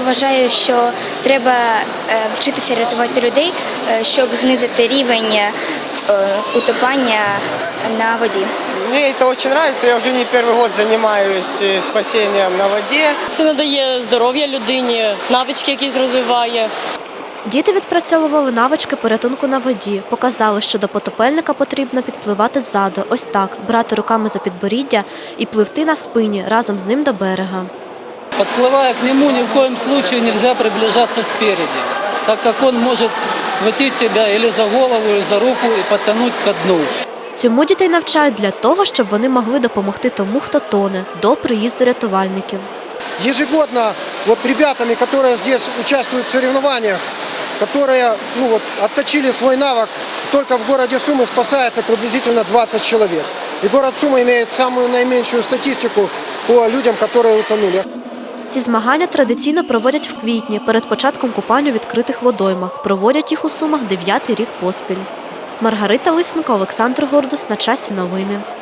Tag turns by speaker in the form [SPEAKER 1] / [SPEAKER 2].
[SPEAKER 1] вважаю, що треба вчитися рятувати людей, щоб знизити рівень утопання на воді.
[SPEAKER 2] Мне это очень нравится, я уже не первый год занимаюсь спасением на воде.
[SPEAKER 3] Це надає здоров'я людині, навички якісь розвиває.
[SPEAKER 4] Діти відпрацьовували навички порятунку на воді. Показали, що до потопельника потрібно підпливати ззаду, ось так, брати руками за підборіддя і пливти на спині разом з ним до берега.
[SPEAKER 5] Подплывая к нему, ни в коем случае нельзя приближаться спереди, так как он может схватить тебя или за голову, или за руку и подтянуть ко дну.
[SPEAKER 4] Цьому дітей навчають для того, щоб вони могли допомогти тому, хто тоне, до приїзду рятувальників.
[SPEAKER 6] Ежегодно ребятами, которые здесь участвуют в соревнованиях, которые отточили свой навык, только в городе Сумы спасается приблизительно 20 человек. И город Сумы имеет самую наименьшую статистику по людям, которые утонули.
[SPEAKER 4] Ці змагання традиційно проводять в квітні, перед початком купань у відкритих водоймах. Проводять їх у Сумах 9-й рік поспіль. Маргарита Лисенко, Олександр Гордус. На часі новини.